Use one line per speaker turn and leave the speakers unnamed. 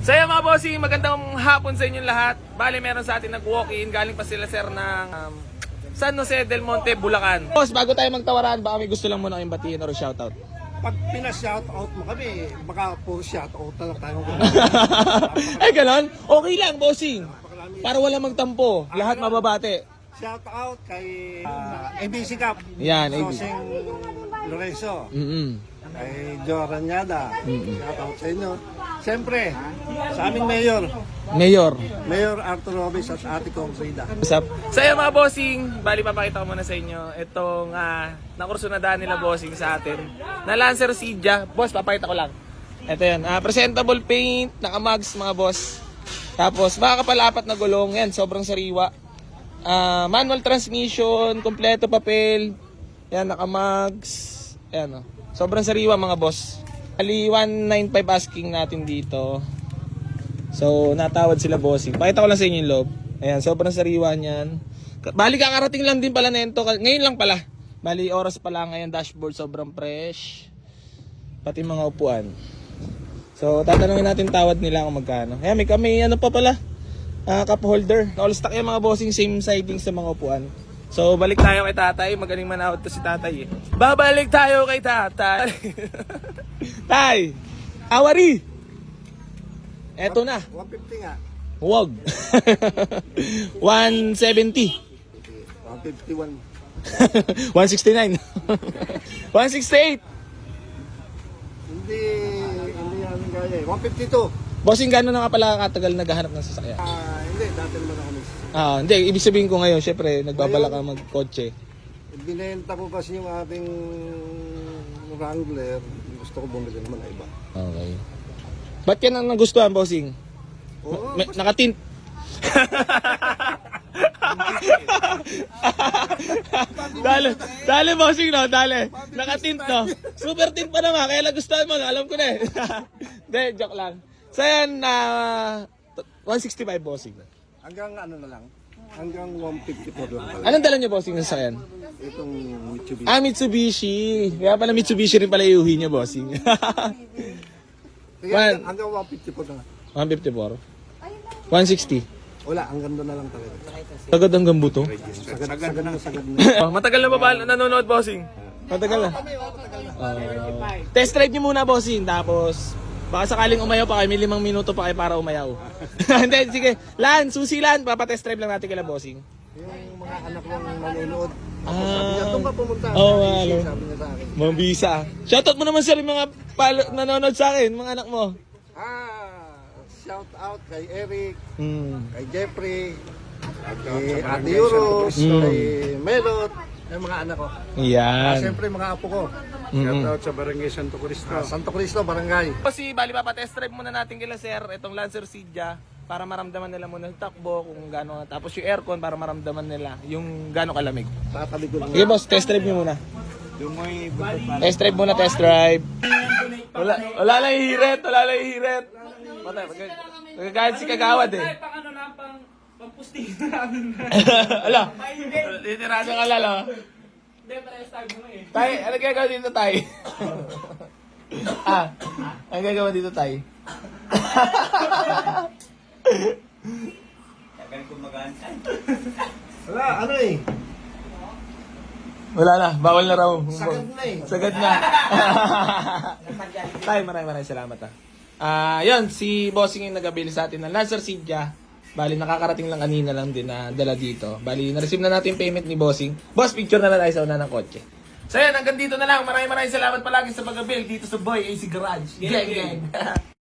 So yan mga bossing, magandang hapon sa inyong lahat. Bale, meron sa atin nag-walk-in. Galing pa sila sir ng San Jose del Monte, Bulacan. Boss, bago tayo magtawaran, baka may gusto lang muna kayong batiin or shoutout.
Pag pina-shoutout mo kami, baka po shoutout na lang tayo.
Ay, ganon? Okay lang, bossing. Para wala magtampo. Lahat mababate.
Shoutout kay ABC Cup.
Yan, ABC.
Soseng Lorenzo. Kay Joe Ranyada. Shoutout sa inyo. Siyempre, sa aming Mayor Arthur Robes at Ate Kong Frida.
What's up? So yun mga bossing, bali papakita ko muna sa inyo itong nakursunadaan nila bossing sa atin na Lancer Cydia. Boss, papakita ko lang. Ito yun, presentable paint, naka-mugs mga boss. Tapos makakapal-apat na gulong, yan, sobrang sariwa. Manual transmission, kompleto papel, yan, naka-mugs. Yan, sobrang sariwa mga boss. Ali 195 asking natin dito. So, natawad sila bossing. Pakita ko lang sa inyo yung loob. Ayan, sobrang sariwa niyan. Bali, kakarating lang din pala nito. Ngayon lang pala. Bali, oras pala ngayon. Dashboard, sobrang fresh. Pati mga upuan. So, tatanungin natin tawad nila kung magkano. Ayan, may ano pa pala. Cup holder. All stock yung mga bossing. Same siding sa mga upuan. So, balik tayo kay tatay. Magaling manahod to si tatay eh. Babalik tayo kay tatay. Tay! Awari! Eto na.
150 nga.
Huwag. 170.
151.
169. 168.
Hindi yan gaya eh. 152.
Bossing, gano'n na nga pala katagal naghahanap ng sasakyan?
Hindi, dati naman ako
Hindi, ibig sabihin ko ngayon, syempre, nagbabala ka magkotse.
Binenta ko kasi yung ating Wrangler. Gusto ko bumili naman na iba.
Okay. Ba't yan ang nagustuhan, bossing?
Oo,
Nakatint. Dali bossing no, dali. Nakatint no. Super tint pa naman, kaya nagustuhan mo, alam ko na eh. Hindi, joke lang. So yan, 165 bossing.
hanggang ano na lang. Hanggang 154 lang pala.
Anong dala niyo bossing sa sayan?
Itong Mitsubishi.
Mitsubishi. Kaya pala Mitsubishi rin pala iuwi niya bossing.
Kaya hanggang 154 na.
154. 160.
Wala, hanggang doon na lang talaga.
Sagad hanggang buto.
Sagad na.
Matagal na ba nanonood bossing? Matagal na. Test drive niyo muna bossing, tapos baka sakaling umayaw pa kayo, may 5 minuto pa kayo para umayaw. Hindi, sige. Susi Lan, papatest drive lang natin kila bossing.
Yung mga anak kong nanonood, sabi niya, doon ka pumunta.
Sabi
niya sa akin.
Mabisa. Shoutout mo naman sir yung mga nanonood sa akin, mga anak mo.
Shout out kay Eric, kay Jeffrey, kay
Sa
Ate Euros,
Mm.
kay Melot, yung mga anak ko.
Yan.
Siyempre mga apo ko.
Shout out sa Barangay Santo Cristo.
Santo Cristo, Barangay.
Kasi bali papatest drive muna natin kila sir itong Lancer Cydia para maramdaman nila muna yung takbo kung gaano, tapos yung aircon para maramdaman nila yung gaano kalamig.
Tatabi ko lang.
Sige boss, test drive niyo muna.
Dumoy,
Test drive muna, test drive. Wala lang hihirit, wala lang hihirit. Patay, magagayad si Kagawad eh.
Pang ano lang, pang posting namin.
Ala, litirado ka lalo.
Hindi, pa-start mo eh.
Tay, ano gagawa dito, Tay? Ano gagawa dito, Tay?
Wala, ano eh.
Wala na, bawal na raw.
Sagad na eh.
Sagad na. Tay, maraming salamat yun, si Bossing yung nag-abili sa atin ng Lancer Cydia. Bali, nakakarating lang kanina lang din na dala dito. Bali, na-receive na natin yung payment ni Bossing. Boss, picture na lang tayo sa una ng kotse. So yan, hanggang dito na lang. Maraming salamat palagi sa pag-abil dito sa Boy AC Garage. Gang, gang.